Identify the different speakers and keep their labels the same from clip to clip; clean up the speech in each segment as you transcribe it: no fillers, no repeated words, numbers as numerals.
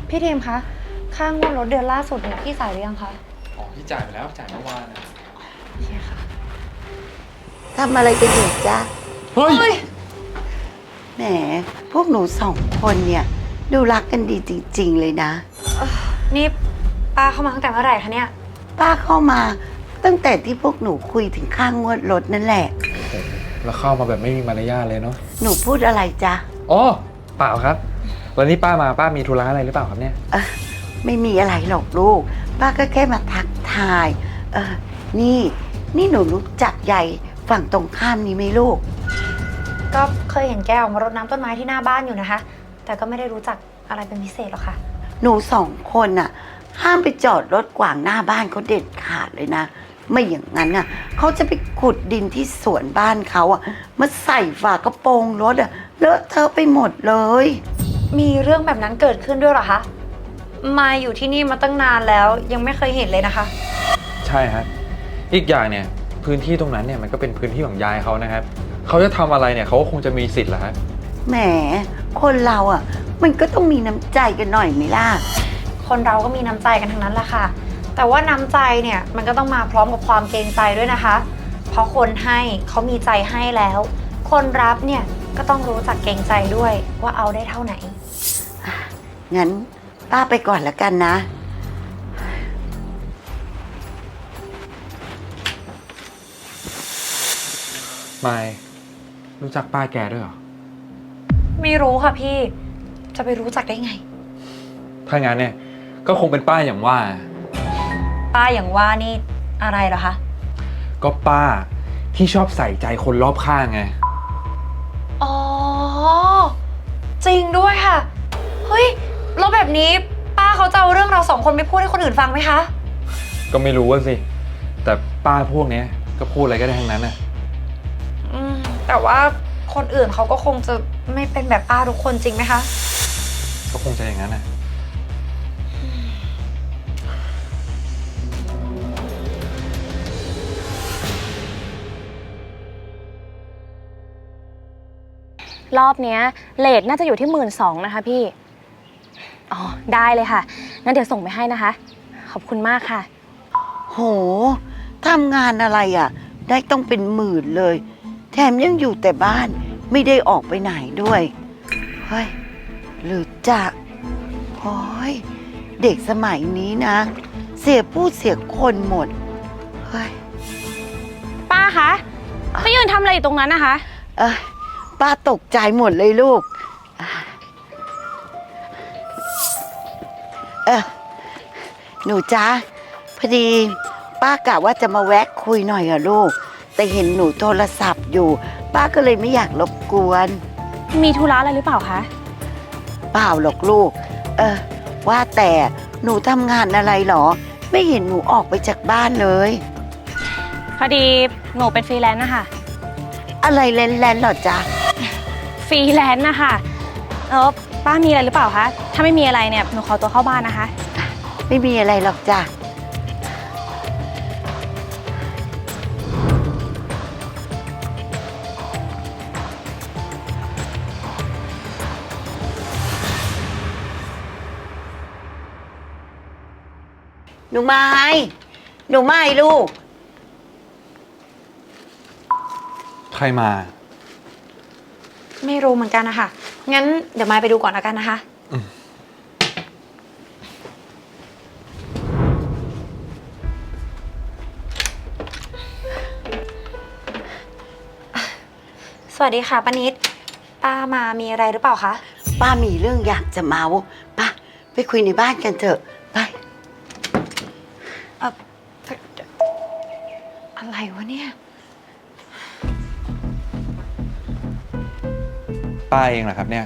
Speaker 1: พี่ทีมคะค่างวดรถเดือนล่าสุดเนี่ยพี่จ่ายหรือยังคะ
Speaker 2: อ๋อพี่จ่ายไปแล้วจ่ายเมื่อวานนะ
Speaker 1: โอเคค่ะ
Speaker 3: ทำอะไรกันอยู่จ๊ะ
Speaker 2: เฮ้ย
Speaker 3: แหม พวกหนูสองคนเนี่ย ดูรักกันดีจริงๆเลยนะ
Speaker 1: นี่ป้าเข้ามาตั้งแต่เมื่อไหร่คะเนี่ย
Speaker 3: ป้าเข้ามาตั้งแต่ที่พวกหนูคุยถึงค่างวดรถนั่นแหละ
Speaker 2: แล้วเข้ามาแบบไม่มีมารยาทเลยเนาะ
Speaker 3: หนูพูดอะไรจ๊ะ
Speaker 2: อ๋อเปล่าครับวันนี้ป้ามาป้ามีธุระอะไรหรือเปล่าครับเนี่ย
Speaker 3: ไม่มีอะไรหรอกลูก ป้าก็แค่มาทักทาย นี่หนูรู้จักใหญ่ฝั่งตรงข้ามนี้ไหมลูก
Speaker 1: ก็เคยเห็นแกออกมารดน้ำต้นไม้ที่หน้าบ้านอยู่นะคะ แต่ก็ไม่ได้รู้จักอะไรเป็นพิเศษหรอกค่ะ
Speaker 3: หนูสองคนน่ะ ห้ามไปจอดรถขวางหน้าบ้านเขาเด็ดขาดเลยนะ ไม่อย่างนั้นน่ะเขาจะไปขุดดินที่สวนบ้านเขาอ่ะมาใส่ฝากระโปรงรถอ่ะเลอะเทอะไปหมดเลย
Speaker 1: มีเรื่องแบบนั้นเกิดขึ้นด้วยเหรอคะมาอยู่ที่นี่มาตั้งนานแล้วยังไม่เคยเห็นเลยนะคะ
Speaker 2: ใช่ฮะอีกอย่างเนี่ยพื้นที่ตรงนั้นเนี่ยมันก็เป็นพื้นที่ของยายเขานะครับเขาจะทำอะไรเนี่ยเขาก็คงจะมีสิทธิ์แหละฮะ
Speaker 3: แหม คนเราอ่ะ มันก็ต้องมีน้ำใจกันหน่อยไหมล่ะ
Speaker 1: คนเราก็มีน้ำใจกันทั้งนั้นแหละค่ะ แต่ว่าน้ำใจเนี่ยมันก็ต้องมาพร้อมกับความเกรงใจด้วยนะคะ เพราะคนให้เขามีใจให้แล้ว คนรับเนี่ยก็ต้องรู้จักเกรงใจด้วยว่าเอาได้เท่าไหน
Speaker 3: งั้นป้าไปก่อนละกันนะ
Speaker 2: ไม่รู้จักป้าแกด้วยเหรอ
Speaker 1: ไม่รู้ค่ะพี่ จะไปรู้จักได้ไง
Speaker 2: ถ้างั้นเนี่ยก็คงเป็นป้าอย่างว่า
Speaker 1: ป้าอย่างว่านี่อะไรเหรอคะ
Speaker 2: ก็ป้าที่ชอบใส่ใจคนรอบข้างไง
Speaker 1: อ๋อ จริงด้วยค่ะ เฮ้ยแล้วแบบนี้ป้าเขาจะเอาเรื่องเราสองคนไปพูดให้คนอื่นฟังไหมคะ
Speaker 2: ก็ไม่รู้ว่าสิ แต่ป้าพวกเนี้ยก็พูดอะไรก็ได้ทั้งนั้นนะ
Speaker 1: แต่ว่าคนอื่นเขาก็คงจะไม่เป็นแบบป้าทุกคนจริงไหมคะ
Speaker 2: ก็คงจะอย่างนั้นนะ
Speaker 4: รอบเนี้ยเลทน่าจะอยู่ที่12,000นะคะพี่ อ๋อได้เลยค่ะ งั้นเดี๋ยวส่งไปให้นะคะ ขอบคุณมากค่ะ
Speaker 3: โห ทำงานอะไรอ่ะ ได้ต้องเป็นหมื่นเลย แถมยังอยู่แต่บ้านไม่ได้ออกไปไหนด้วย เฮ้ย หรือจะโอ้ยเด็กสมัยนี้นะ เสียผู้เสียคนหมด เฮ้ย
Speaker 4: ป้าคะไปยืนทำอะไรอยู่ตรงนั้นนะคะ
Speaker 3: เอ้ยป้าตกใจหมดเลยลูก หนูจ๊ะพอดีป้ากะว่าจะมาแวะคุยหน่อยอะลูก แต่เห็นหนูโทรศัพท์อยู่ ป้าก็เลยไม่อยากรบกวน
Speaker 4: มีธุระอะไรหรือเปล่าคะ
Speaker 3: เปล่าหรอกลูก ว่าแต่หนูทำงานอะไรหรอ ไม่เห็นหนูออกไปจากบ้านเลย
Speaker 4: พอดีหนูเป็นฟรีแลนซ์นะคะ
Speaker 3: อะไรแลนๆหรอจ๊ะ
Speaker 4: ฟรีแลนซ์นะคะป้ามีอะไรหรือเปล่าคะ ถ้าไม่มีอะไรเนี่ยหนูขอตัวเข้าบ้านนะคะ
Speaker 3: ไม่มีอะไรหรอกจ้ะ หนูไม้ลูก
Speaker 2: ใครมา
Speaker 1: ไม่รู้เหมือนกันนะคะ งั้นเดี๋ยวมายไปดูก่อนแล้วกันนะคะ สวัสดีค่ะป้านิด ป้ามามีอะไรหรือเปล่าคะ
Speaker 3: ป้ามีเรื่องอยากจะเมาป้าไปคุยในบ้านกันเถอะไป
Speaker 1: อะไรวะเนี่ย
Speaker 2: ป้าเองเหรอครับเนี่ย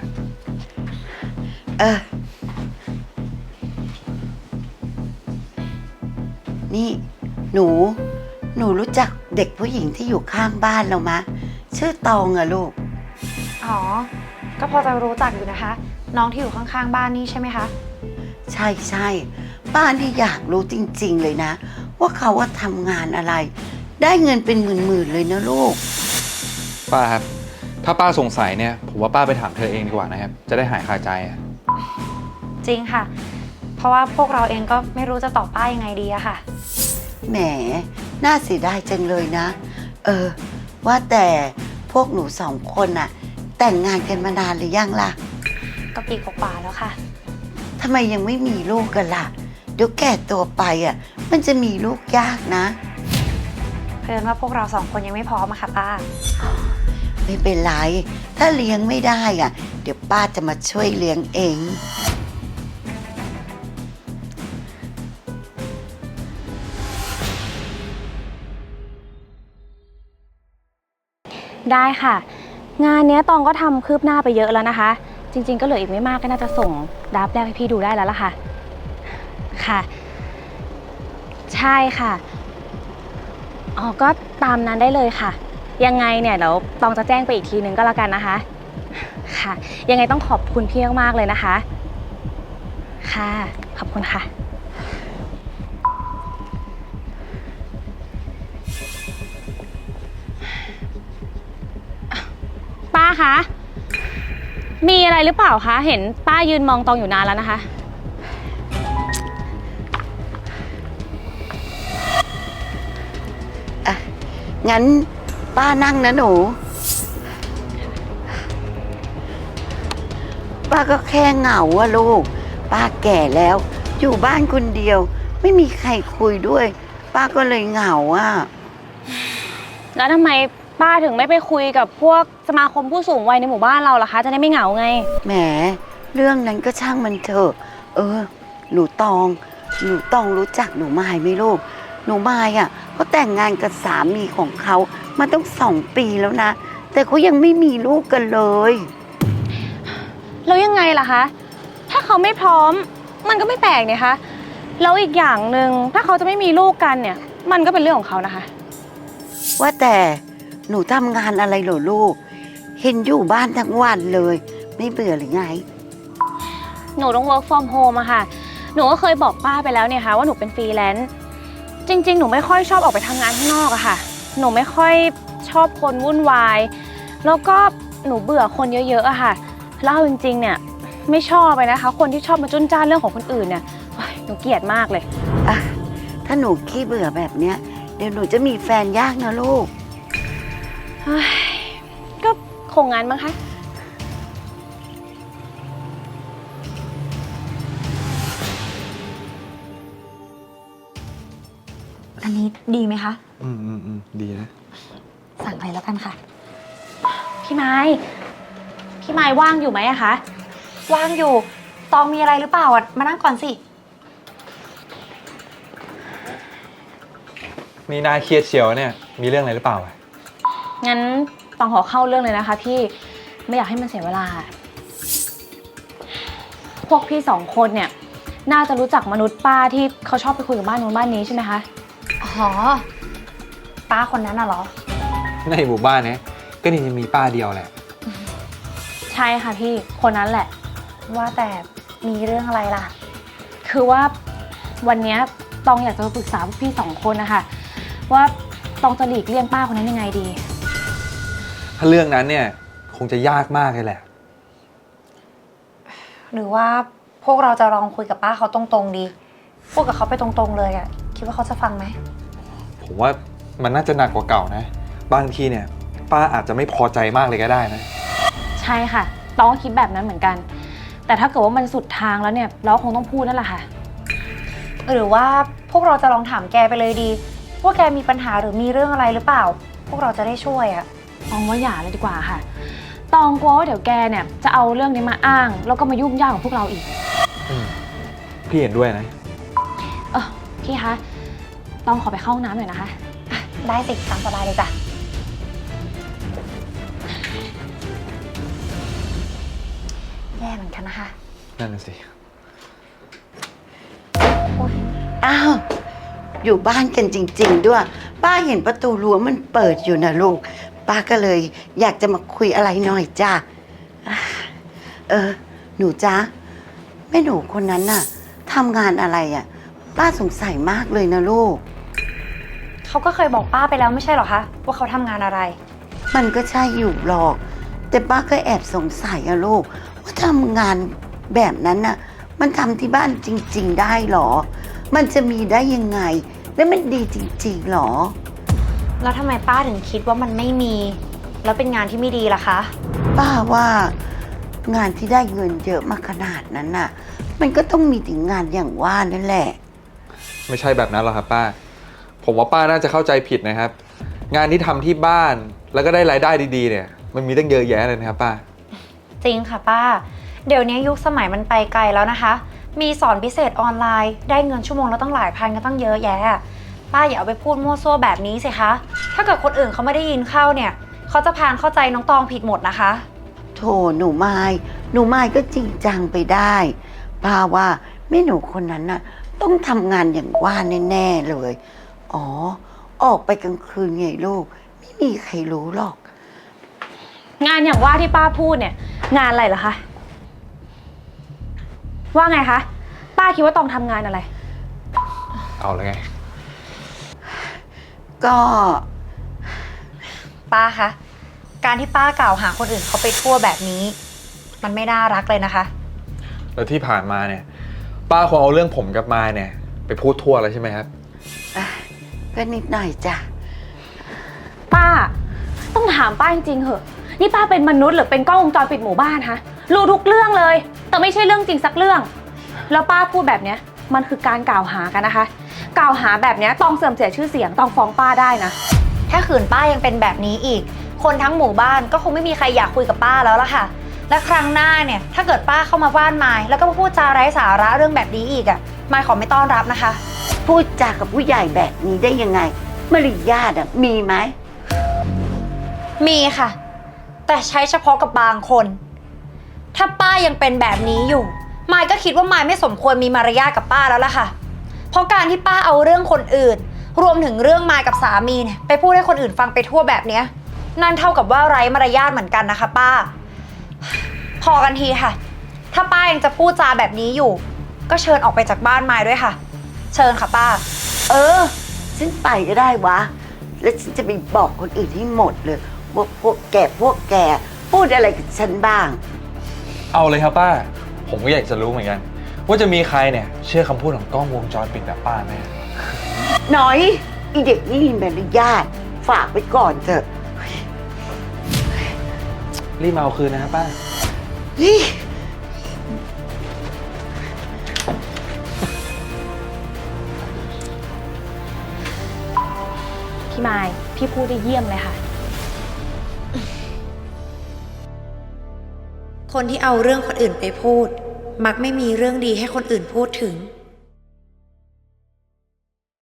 Speaker 3: นี่หนูรู้จักเด็กผู้หญิงที่อยู่ข้างบ้านเรามะ ชื่อตองอะลูก
Speaker 1: อ๋อ ก็พอจะรู้จักอยู่นะคะ น้องที่อยู่ข้างๆบ้านนี่ใช่ไหมคะ
Speaker 3: ใช่ป้านี่อยากรู้จริงๆเลยนะ ว่าเขาว่าทำงานอะไร ได้เงินเป็นหมื่นๆเลยนะลูก
Speaker 2: ป้าครับ ถ้าป้าสงสัยเนี่ยผมว่าป้าไปถามเธอเองดีกว่านะครับ จะได้หายคาใจอะ
Speaker 1: จริงค่ะราะว่าพวกเราเองก็ไม่รู้จะตอบป้ายังไงดีอะค่ะ
Speaker 3: แหมน่าเสียดายจังเลยนะ ว่าแต่พวกหนูสองคนน่ะ แต่งงานกันมานานหรือยังล่ะ
Speaker 1: ก็ปีกว่าๆแล้วค่ะ
Speaker 3: ทำไมยังไม่มีลูกกันล่ะ เดี๋ยวแก่ตัวไปอ่ะ มันจะมีลูกยากนะ
Speaker 1: เพิ่นว่าพวกเราสองคนยังไม่พร้อมอะค่ะป้า
Speaker 3: ไม่เป็นไร ถ้าเลี้ยงไม่ได้อ่ะ เดี๋ยวป้าจะมาช่วยเลี้ยงเอง
Speaker 4: ได้ค่ะ งานเนี้ยตองก็ทำคืบหน้าไปเยอะแล้วนะคะ จริงๆก็เหลืออีกไม่มากก็น่าจะส่งดราฟต์แรกให้พี่ดูได้แล้วล่ะค่ะ ค่ะ ใช่ค่ะอ๋อก็ตามนั้นได้เลยค่ะ ยังไงเนี่ยเดี๋ยวตองจะแจ้งไปอีกทีนึงก็แล้วกันนะคะ ค่ะ ยังไงต้องขอบคุณพี่มากๆเลยนะคะ ค่ะ ขอบคุณค่ะ ป้าคะ มีอะไรหรือเปล่าคะ เห็นป้ายืนมองตองอยู่นานแล้วนะคะ
Speaker 3: งั้นป้านั่งนะหนู ป้าก็แค่เหงาอะลูก ป้าแก่แล้ว อยู่บ้านคนเดียว ไม่มีใครคุยด้วย ป้าก็เลยเหงาอะ
Speaker 4: แล้วทำไมป้าถึงไม่ไปคุยกับพวกสมาคมผู้สูงวัยในหมู่บ้านเราล่ะคะ จะได้ไม่เหงาไง
Speaker 3: แหม เรื่องนั้นก็ช่างมันเถอะ หนูตองรู้จักหนูมายไหมลูก หนูมายอ่ะเขาแต่งงานกับสามีของเขามาต้อง2 ปีแล้วนะ แต่เขายังไม่มีลูกกันเลย
Speaker 4: แล้วยังไงล่ะคะ ถ้าเขาไม่พร้อม มันก็ไม่แปลกเนี่ยคะ แล้วอีกอย่างหนึ่งถ้าเขาจะไม่มีลูกกันเนี่ย มันก็เป็นเรื่องของเขานะคะ
Speaker 3: ว่าแต่หนูทำงานอะไรเหรอลูก เห็นอยู่บ้านทั้งวันเลย ไม่เบื่อหรือไง
Speaker 4: หนูต้อง work from home อะค่ะ หนูก็เคยบอกป้าไปแล้วเนี่ยค่ะว่าหนูเป็นฟรีแลนซ์ จริงๆ หนูไม่ค่อยชอบออกไปทำงานข้างนอกอะค่ะ หนูไม่ค่อยชอบคนวุ่นวาย แล้วก็หนูเบื่อคนเยอะๆอะค่ะแล้วเอาจริงๆ เนี่ยไม่ชอบเลยนะคะ คนที่ชอบมาจุนจ้านเรื่องของคนอื่นเนี่ยโอ๊ยหนูเกลียดมากเลย
Speaker 3: อ่ะ ถ้าหนูขี้เบื่อแบบเนี้ย เดี๋ยวหนูจะมีแฟนยากนะลูก
Speaker 4: เฮ้ยก็คงงั้นมั้งคะ
Speaker 1: อันนี้ดีไหมคะ
Speaker 2: ดีนะ
Speaker 1: สั่งเลยแล้วกันค่ะ
Speaker 4: พี่ไม้ว่างอยู่ไหมอะคะ
Speaker 1: ว่างอยู่ ตองมีอะไรหรือเปล่าอะมานั่งก่อนสิ
Speaker 2: นี่น่าเครียดเชียวเนี่ย มีเรื่องอะไรหรือเปล่าอะ
Speaker 4: งั้นต้องขอเข้าเรื่องเลยนะคะพี่ ไม่อยากให้มันเสียเวลา พวกพี่2 คนเนี่ยน่าจะรู้จักมนุษย์ป้าที่เขาชอบไปคุยกับบ้านนู้นบ้านนี้ใช่ไหมคะ
Speaker 1: อ๋อ ป้าคนนั้นน่ะเหรอ
Speaker 2: ในหมู่บ้านเนี้ยก็นี่จะมีป้าเดียวแหละ
Speaker 4: ใช่ค่ะพี่ คนนั้นแหละ
Speaker 1: ว่าแต่มีเรื่องอะไรล่ะ
Speaker 4: คือว่าวันเนี้ยตองอยากจะปรึกษาพวกพี่2 คนนะคะว่าตองจะหลีกเลี่ยงป้าคนนั้นยังไงดี
Speaker 2: ถ้าเรื่องนั้นเนี่ยคงจะยากมากเลยแหละ
Speaker 1: หรือว่าพวกเราจะลองคุยกับป้าเขาตรงๆดี พูดกับเขาไปตรงๆเลยอะคิดว่าเขาจะฟังไหม
Speaker 2: ผมว่ามันน่าจะหนักกว่าเก่านะ บางทีเนี่ยป้าอาจจะไม่พอใจมากเลยก็ได้นะ
Speaker 4: ใช่ค่ะตองก็คิดแบบนั้นเหมือนกัน แต่ถ้าเกิดว่ามันสุดทางแล้วเนี่ยเราคงต้องพูดนั่นแหละค่ะ
Speaker 1: หรือว่าพวกเราจะลองถามแกไปเลยดี ว่าแกมีปัญหาหรือมีเรื่องอะไรหรือเปล่า พวกเราจะได้ช่วยอะ
Speaker 4: ตองว่าอย่าเลยดีกว่าค่ะ ตองกลัวว่าเดี๋ยวแกเนี่ยจะเอาเรื่องนี้มาอ้าง แล้วก็มายุ่งยากกับพวกเราอีก
Speaker 2: พี่เห็นด้วยนะ
Speaker 4: พี่คะ ตองขอไปเข้าห้องน้ำหน่อยนะคะ
Speaker 1: ได้สิตามสบายเลยจ้ะแย่เหมือนกันนะคะ
Speaker 2: นั่นน่ะสิ
Speaker 3: อ้าว อยู่บ้านกันจริงๆด้วย ป้าเห็นประตูรั้วมันเปิดอยู่นะลูก ป้าก็เลยอยากจะมาคุยอะไรหน่อยจ้าหนูจ้าแม่หนูคนนั้นน่ะทำงานอะไรอ่ะ ป้าสงสัยมากเลยนะลูก
Speaker 1: เขาก็เคยบอกป้าไปแล้วไม่ใช่เหรอคะว่าเขาทำงานอะไร
Speaker 3: มันก็ใช่อยู่หรอก แต่ป้าก็แอบสงสัยอะลูก ว่าทำงานแบบนั้นน่ะมันทำที่บ้านจริง ๆ ได้หรอ มันจะมีได้ยังไง แล้วมันดีจริงๆหรอ
Speaker 1: แล้วทำไมป้าถึงคิดว่ามันไม่มี แล้วเป็นงานที่ไม่ดีล่ะคะ
Speaker 3: ป้าว่างานที่ได้เงินเยอะมาขนาดนั้นน่ะ มันก็ต้องมีถึงงานอย่างว่านั่นแหละ
Speaker 2: ไม่ใช่แบบนั้นหรอกครับป้า ผมว่าป้าน่าจะเข้าใจผิดนะครับ งานที่ทำที่บ้านแล้วก็ได้รายได้ดีๆเนี่ย มันมีตั้งเยอะแยะเลยนะครับป้า
Speaker 1: จริงค่ะป้า เดี๋ยวนี้ยุคสมัยมันไปไกลแล้วนะคะ มีสอนพิเศษออนไลน์ ได้เงินชั่วโมงแล้วตั้งหลายพันก็ตั้งเยอะแยะ ป้าอย่าเอาไปพูดมั่วซั่วแบบนี้สิคะ ถ้าเกิดคนอื่นเขาไม่ได้ยินเข้าเนี่ย เขาจะพานเข้าใจน้องตองผิดหมดนะคะ
Speaker 3: โถหนูไม้ก็จริงจังไปได้ป้าว่าแม่หนูคนนั้นน่ะต้องทำงานอย่างว่าแน่ๆเลย อ๋อ ออกไปกลางคืนไงลูก ไม่มีใครรู้หรอก
Speaker 4: งานอย่างว่าที่ป้าพูดเนี่ย งานอะไรเหรอคะ ว่าไงคะ ป้าคิดว่าตองทำงานอะไร
Speaker 2: เอาเลยไง
Speaker 3: ก็
Speaker 1: ป้าคะ การที่ป้ากล่าวหาคนอื่นเขาไปทั่วแบบนี้ มันไม่น่ารักเลยนะคะ
Speaker 2: แล้วที่ผ่านมาเนี่ย ป้าคงเอาเรื่องผมกับมายเนี่ย ไปพูดทั่วแล้วใช่ไหมครับ
Speaker 3: ก็นิดหน่อยจ้ะ
Speaker 4: ป้า ต้องถามป้าจริงๆเหอะ นี่ป้าเป็นมนุษย์หรือเป็นกล้องวงจรปิดหมู่บ้านฮะ รู้ทุกเรื่องเลย แต่ไม่ใช่เรื่องจริงสักเรื่อง แล้วป้าพูดแบบเนี้ย มันคือการกล่าวหากันนะคะ กล่าวหาแบบเนี้ยต้องเสื่อมเสียชื่อเสียงต้องฟ้องป้าได้นะ
Speaker 1: ถ้าขืนป้ายังเป็นแบบนี้อีก คนทั้งหมู่บ้านก็คงไม่มีใครอยากคุยกับป้าแล้วล่ะค่ะ และครั้งหน้าเนี่ย ถ้าเกิดป้าเข้ามาบ้านมายแล้วก็มาพูดจาไร้สาระเรื่องแบบนี้อีกมายขอไม่ต้อนรับนะคะ
Speaker 3: พูดจากับผู้ใหญ่แบบนี้ได้ยังไงมารยาทอะมีไหม
Speaker 1: มีค่ะ แต่ใช้เฉพาะกับบางคน ถ้าป้ายังเป็นแบบนี้อยู่ มายก็คิดว่ามายไม่สมควรมีมารยาทกับป้าแล้วล่ะค่ะ เพราะการที่ป้าเอาเรื่องคนอื่น รวมถึงเรื่องมายกับสามีเนี่ยไปพูดให้คนอื่นฟังไปทั่วแบบเนี้ยนั่นเท่ากับว่าไร้มารยาทเหมือนกันนะคะป้า พอกันทีค่ะ ถ้าป้ายังจะพูดจาแบบนี้อยู่ ก็เชิญออกไปจากบ้านมายด้วยค่ะ เชิญค่ะป้า
Speaker 3: เออ ฉันไปก็ได้วะ แล้วฉันจะไปบอกคนอื่นให้หมดเลยว่าพวกแกพูดอะไรกับฉันบ้าง
Speaker 2: เอาเลยครับป้า ผมก็อยากจะรู้เหมือนกัน ว่าจะมีใครเนี่ยเชื่อคำพูดของกล้องวงจรปิดแบบป้าไหม
Speaker 3: หน่อยอีเด็กนี่มีมารยาทฝากไว้ก่อนเถอะ
Speaker 2: รีบมาเอาคืนนะครับป้า
Speaker 3: นี่
Speaker 4: พี่มาย พี่พูดได้เยี่ยมเลยค่ะ
Speaker 1: คนที่เอาเรื่องคนอื่นไปพูด มักไม่มีเรื่องดีให้คนอื่นพูดถึง